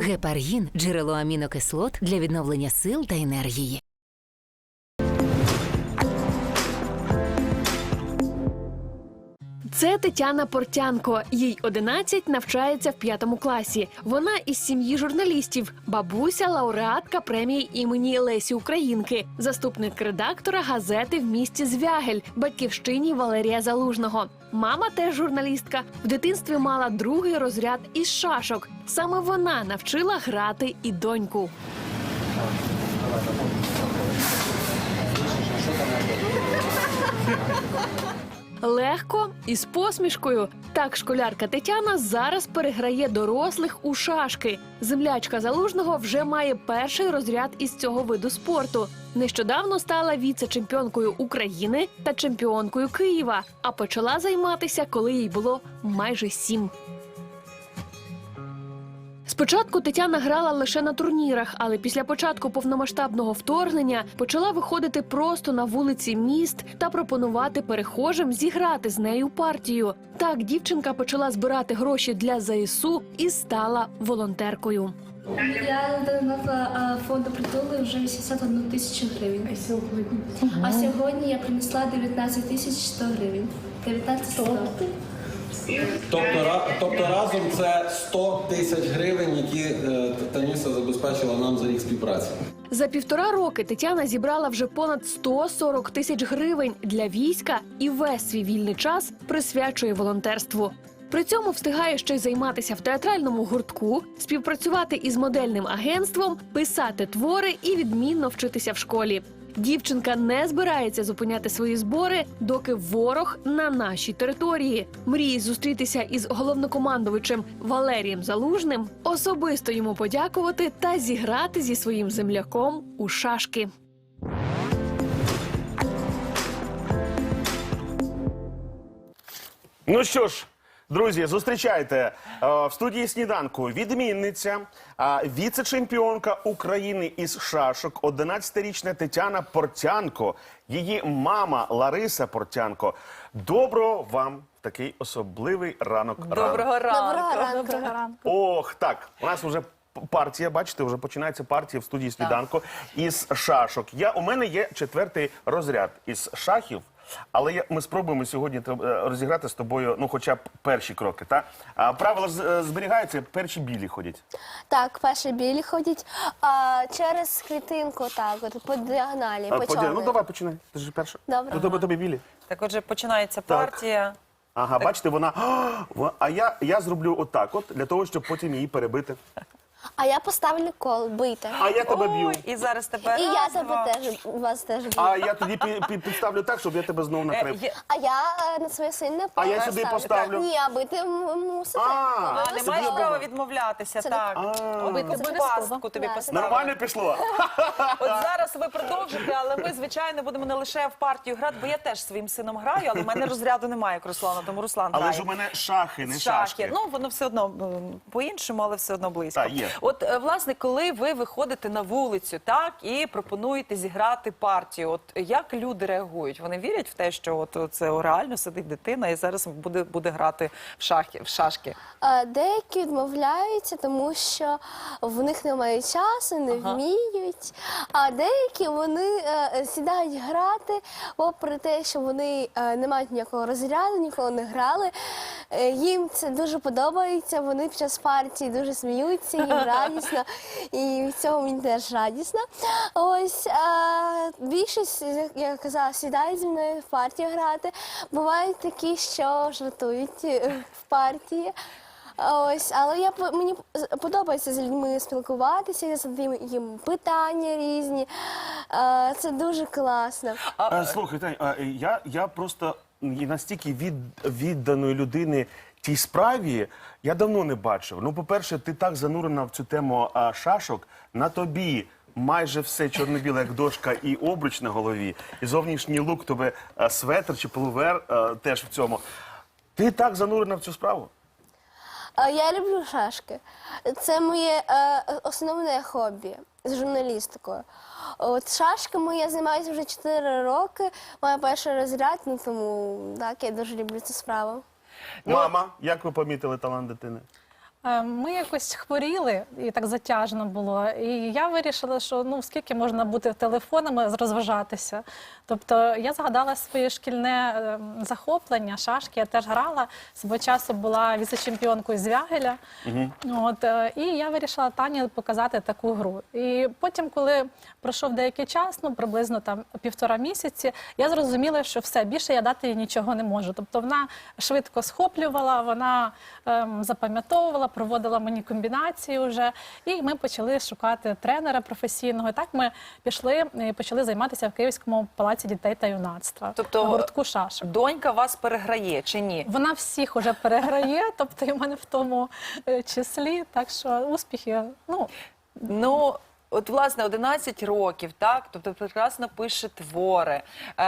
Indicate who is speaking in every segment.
Speaker 1: Гепаргін – джерело амінокислот для відновлення сил та енергії.
Speaker 2: Це Тетяна Портянко. Їй 11, навчається в 5 класі. Вона із сім'ї журналістів. Бабуся – лауреатка премії імені Лесі Українки. Заступник редактора газети в місті Звягель, батьківщині Валерія Залужного. Мама теж журналістка. В дитинстві мала 2-й розряд із шашок. Саме вона навчила грати і доньку. Легко і з посмішкою. Так школярка Тетяна зараз переграє дорослих у шашки. Землячка Залужного вже має 1-й розряд із цього виду спорту. Нещодавно стала віце-чемпіонкою України та чемпіонкою Києва, а почала займатися, коли їй було майже 7. Спочатку Тетяна грала лише на турнірах, але після початку повномасштабного вторгнення почала виходити просто на вулиці міст та пропонувати перехожим зіграти з нею партію. Так дівчинка почала збирати гроші для ЗСУ і стала волонтеркою.
Speaker 3: Я донатила фонду «Притули» вже 81 тисячу гривень. А сьогодні я принесла 19 тисяч 100 гривень. 19 100.
Speaker 4: Тобто разом це 100 тисяч гривень, які Таніса забезпечила нам за рік співпраці.
Speaker 2: За 1,5 роки Тетяна зібрала вже понад 140 тисяч гривень для війська і весь свій вільний час присвячує волонтерству. При цьому встигає ще й займатися в театральному гуртку, співпрацювати із модельним агентством, писати твори і відмінно вчитися в школі. Дівчинка не збирається зупиняти свої збори, доки ворог на нашій території. Мріє зустрітися із головнокомандувачем Валерієм Залужним, особисто йому подякувати та зіграти зі своїм земляком у шашки.
Speaker 5: Ну що ж, друзі, зустрічайте в студії «Сніданку» відмінниця, віце-чемпіонка України із шашок, 11-річна Тетяна Портянко, її мама Лариса Портянко. Доброго вам в такий особливий ранок.
Speaker 6: Доброго ранку.
Speaker 3: Доброго ранку.
Speaker 5: Ох, так, у нас вже партія, бачите, вже починається партія в студії «Сніданку» із шашок. У мене є 4-й розряд із шахів. Але ми спробуємо сьогодні розіграти з тобою, ну, хоча б перші кроки, так? Правила зберігаються, перші білі ходять.
Speaker 3: Так, перші білі ходять через клітинку, так, от, по діагоналі, по чорній.
Speaker 5: Ну, давай, починай. Ти ж перша.
Speaker 3: Добре.
Speaker 5: Тобі білі.
Speaker 6: Так, отже, починається партія.
Speaker 5: Ага, бачите, вона... А я зроблю отак от, для того, щоб потім її перебити.
Speaker 3: А я поставлю кол, бийте.
Speaker 5: А я тебе б'ю.
Speaker 6: І зараз тебе
Speaker 3: І я
Speaker 6: раз,
Speaker 3: тебе
Speaker 6: два.
Speaker 3: теж, вас теж б'ю.
Speaker 5: А я тоді підставлю так, щоб я тебе знову накрив.
Speaker 3: А я на своє сильне поле
Speaker 5: я сюди поставлю.
Speaker 3: Ні, а бити мусите.
Speaker 6: А, не маєш права відмовлятися,
Speaker 3: Це
Speaker 6: так. Бити пастку тобі
Speaker 3: Так.
Speaker 6: поставили.
Speaker 5: Нормально пішло?
Speaker 6: От зараз ви продовжите, але ми, звичайно, будемо не лише в партію грати, бо я теж своїм сином граю, але в мене розряду немає, як Руслана, тому Руслан грає.
Speaker 5: Але ж у мене шахи, не шашки.
Speaker 6: Ну, воно все одно по-іншому, але все одно близько.
Speaker 5: Так, є.
Speaker 6: От, власне, коли ви виходите на вулицю, так, і пропонуєте зіграти партію, от як люди реагують? Вони вірять в те, що от це реально сидить дитина і зараз буде грати в шашки?
Speaker 3: Деякі відмовляються, тому що в них немає часу, не вміють. А деякі вони сідають грати, попри те, що вони не мають ніякого розряду, ніколи не грали. Їм це дуже подобається, вони під час партії дуже сміються, їм радісно. І від цього мені теж радісно. Ось більшість, як я казала, сідають зі мною в партію грати. Бувають такі, що жартують в партії. Ось, але мені подобається з людьми спілкуватися, я задаю їм питання різні. Це дуже класно.
Speaker 5: Слухай, Тань, я просто настільки відданої людини тій справі я давно не бачив. Ну, по-перше, ти так занурена в цю тему шашок, на тобі майже все чорно-біле, як дошка, і обруч на голові, і зовнішній лук, тобі светр чи полувер теж в цьому. Ти так занурена в цю справу?
Speaker 3: Я люблю шашки. Це моє основне хобі з журналістикою. От шашками я займаюся вже 4 роки, маю перший розряд, ну тому так, я дуже люблю цю справу.
Speaker 5: Мама, як ви помітили талант дитини?
Speaker 7: Ми якось хворіли, і так затяжно було. І я вирішила, що ну скільки можна бути телефонами, розважатися. Тобто я згадала своє шкільне захоплення, шашки. Я теж грала. Свого часу була віце-чемпіонкою з Вягеля. І я вирішила Тані показати таку гру. І потім, коли пройшов деякий час, ну приблизно там 1,5 місяці, я зрозуміла, що все, більше я дати їй нічого не можу. Тобто вона швидко схоплювала, вона запам'ятовувала, проводила мені комбінації вже. І ми почали шукати тренера професійного. І так ми пішли і почали займатися в Київському палаці дітей та юнацтва.
Speaker 6: Тобто
Speaker 7: в гуртку шашок.
Speaker 6: Донька вас переграє чи ні?
Speaker 7: Вона всіх уже переграє, тобто і в мене в тому числі. Так що успіхи, ну,
Speaker 6: Ну, от, власне, 11 років, так? Тобто прекрасно пише твори.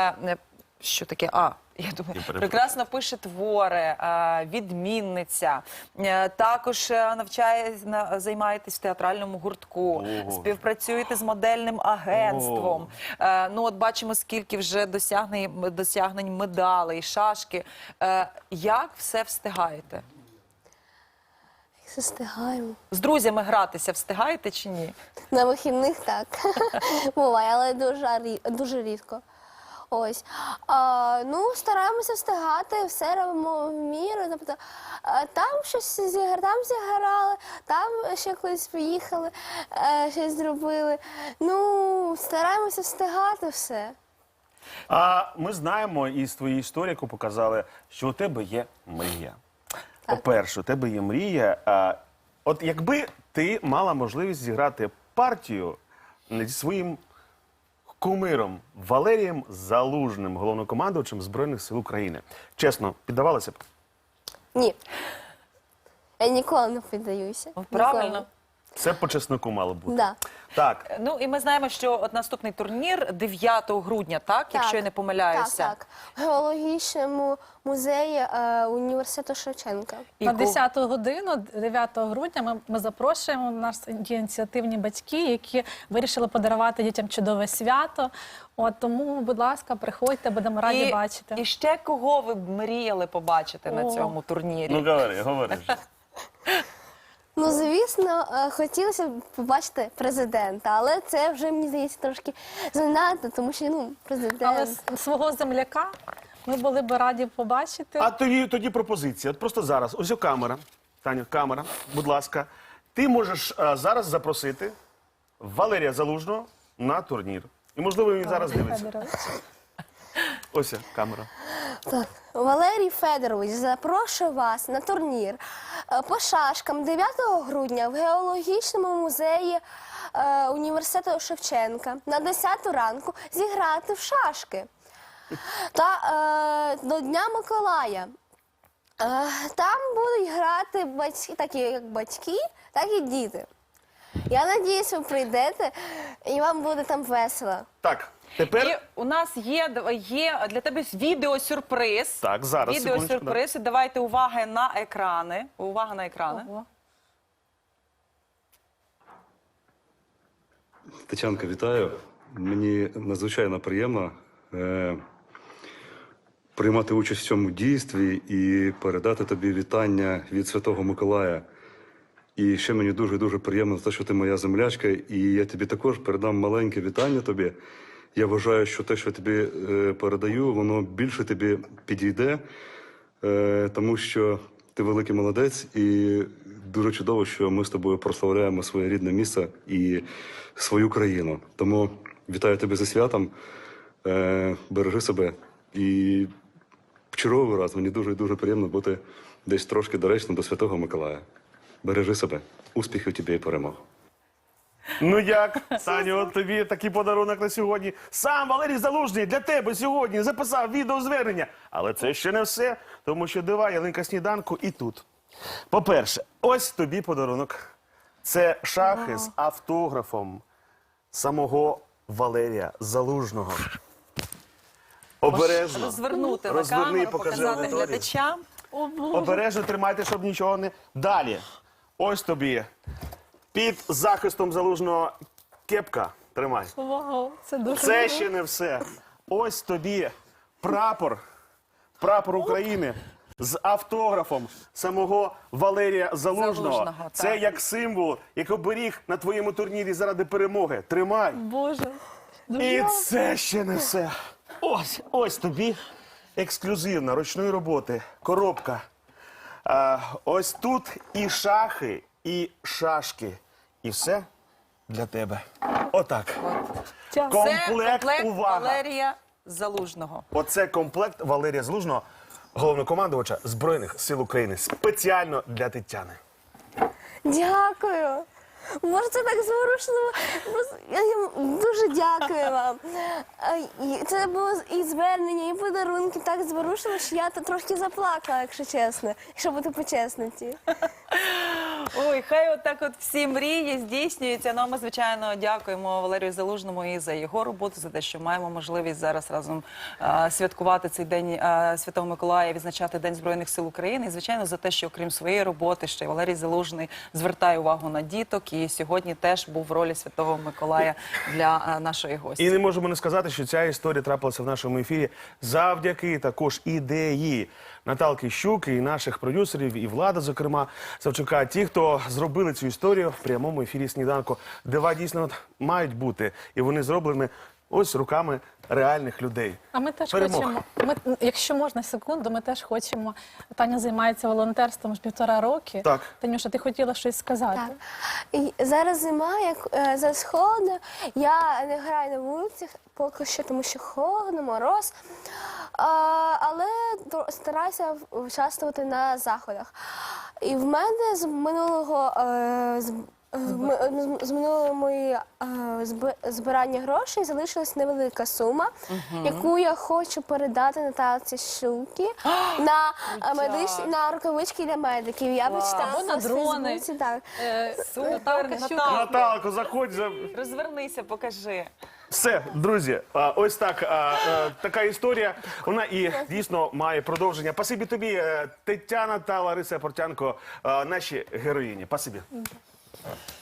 Speaker 6: Що таке? Я думаю, прекрасно пише твори, відмінниця. Також займаєтесь в театральному гуртку, співпрацюєте з модельним агентством. Ну, от бачимо, скільки вже досягнень медалей, шашки. Як все встигаєте?
Speaker 3: Все встигаємо.
Speaker 6: З друзями гратися встигаєте чи ні?
Speaker 3: На вихідних так. Буває, але дуже рідко. Ось. Ну, стараємося встигати, все робимо в міру. Тобто, там щось зіграли, там ще кудись поїхали, щось зробили. Ну, стараємося встигати все.
Speaker 5: А ми знаємо із твоєї історії, яку показали, що у тебе є мрія. По-перше, у тебе є мрія. От якби ти мала можливість зіграти партію зі своїм кумиром Валерієм Залужним, головнокомандувачем Збройних сил України. Чесно, піддавалася б?
Speaker 3: Ні. Я ніколи не піддаюся.
Speaker 6: Правильно.
Speaker 3: Ніколи.
Speaker 5: Це по чесноку мало бути.
Speaker 3: Да.
Speaker 5: Так.
Speaker 6: Ну, і ми знаємо, що от наступний турнір 9 грудня, так? Якщо я не помиляюся.
Speaker 3: Так. В геологічному музеї університету Шевченка.
Speaker 6: І
Speaker 7: на 10-ту годину, 9 грудня, ми запрошуємо. У нас є ініціативні батьки, які вирішили подарувати дітям чудове свято. От тому, будь ласка, приходьте, будемо раді бачити.
Speaker 6: І ще кого ви б мріяли побачити на цьому турнірі?
Speaker 5: Ну, говори.
Speaker 3: Ну, звісно, хотілося б побачити президента, але це вже, мені здається, трошки занадто, тому що, ну, президент...
Speaker 7: Але свого земляка ми були б раді побачити.
Speaker 5: А тоді пропозиція. От просто зараз. Ось камера. Таню, камера, будь ласка. Ти можеш зараз запросити Валерія Залужного на турнір. І, можливо, він зараз дивиться.
Speaker 7: Федорович.
Speaker 5: Ось камера.
Speaker 3: Так. Валерій Федорович, запрошую вас на турнір по шашкам 9 грудня в геологічному музеї університету Шевченка на 10 ранку зіграти в шашки. Та до Дня Миколая. Там будуть грати батьки, такі як батьки, так і діти. Я надіюсь, ви прийдете і вам буде там весело.
Speaker 5: Так, тепер...
Speaker 6: І у нас є для тебе відеосюрприз.
Speaker 5: Так, зараз,
Speaker 6: Відеосюрприз. І давайте увага на екрани. Увага на екрани.
Speaker 7: Ого.
Speaker 8: Тетянка, вітаю. Мені надзвичайно приємно приймати участь в цьому дійстві і передати тобі вітання від Святого Миколая. І ще мені дуже-дуже приємно те, що ти моя землячка, і я тобі також передам маленьке вітання тобі. Я вважаю, що те, що я тобі передаю, воно більше тобі підійде, тому що ти великий молодець, і дуже чудово, що ми з тобою прославляємо своє рідне місце і свою країну. Тому вітаю тебе зі святом, бережи себе. І в черговий раз мені дуже-дуже приємно бути десь трошки доречно до Святого Миколая. Бережи себе. Успіхів тобі і перемог.
Speaker 5: Ну як, Таню, от тобі такий подарунок на сьогодні. Сам Валерій Залужний для тебе сьогодні записав відеозвернення. Але це ще не все, тому що дива ялинка сніданку і тут. По-перше, ось тобі подарунок. Це шахи з автографом самого Валерія Залужного. Обережно.
Speaker 6: Розвернути на
Speaker 5: Розверни,
Speaker 6: камеру,
Speaker 5: покажи
Speaker 6: показати
Speaker 5: аудиторії.
Speaker 6: глядачам.
Speaker 5: Обережно тримайте, щоб нічого не... Далі. Ось тобі. Під захистом Залужного кепка. Тримай.
Speaker 7: Вау, це дуже
Speaker 5: Це
Speaker 7: круто.
Speaker 5: ще не все. Ось тобі прапор. Прапор України. з автографом самого Валерія Залужного.
Speaker 6: Залужного,
Speaker 5: Це
Speaker 6: так.
Speaker 5: як символ, як оберіг на твоєму турнірі заради перемоги. Тримай.
Speaker 7: Боже.
Speaker 5: І це ще не все. Ось тобі ексклюзивна ручної роботи коробка. Ось тут і шахи, і шашки. І все для тебе. Отак.
Speaker 6: Це комплект
Speaker 5: увага.
Speaker 6: Валерія Залужного.
Speaker 5: Оце комплект Валерія Залужного, головнокомандувача Збройних сил України. Спеціально для Тетяни.
Speaker 3: Дякую. Може, це так зворушливо. Я дуже дякую вам. Це було і звернення, і подарунки так зворушливо, що я трошки заплакала, якщо чесно, якщо бути по-чесноті.
Speaker 6: Ой, хай отак от всі мрії здійснюються. Ну, а ми, звичайно, дякуємо Валерію Залужному і за його роботу, за те, що маємо можливість зараз разом святкувати цей день Святого Миколая, відзначати День Збройних сил України. І, звичайно, за те, що окрім своєї роботи, ще й Валерій Залужний звертає увагу на діток. І сьогодні теж був в ролі Святого Миколая для нашої гості.
Speaker 5: І не можемо не сказати, що ця історія трапилася в нашому ефірі завдяки також ідеї Наталки Щук і наших продюсерів, і Влада, зокрема, Савчука. Ті, хто зробили цю історію в прямому ефірі «Сніданку». Дива дійсно мають бути. І вони зроблені ось руками реальних людей.
Speaker 7: А ми теж
Speaker 5: Перемог.
Speaker 7: хочемо, якщо можна секунду, ми теж хочемо. Таня займається волонтерством вже 1,5 роки.
Speaker 5: Так.
Speaker 7: Танюша, ти хотіла щось сказати?
Speaker 3: Так. І зараз зима, як зараз холодно. Я не граю на вулицях поки що, тому що холодно, мороз. Але стараюся участвувати на заходах. І в мене з минулого з минулого мої збирання грошей залишилась невелика сума, яку я хочу передати Наталці Щуки на рукавички для медиків. Я почитала
Speaker 7: Або на
Speaker 3: в
Speaker 7: дрони.
Speaker 3: Фейсбуці, так.
Speaker 6: Супер,
Speaker 7: Наталка Щук.
Speaker 5: Наталко, заходь.
Speaker 6: Розвернися, покажи.
Speaker 5: Все, друзі, ось так, така історія. Вона і дійсно має продовження. Спасибі тобі, Тетяна та Лариса Портянко, наші героїні. Спасибі.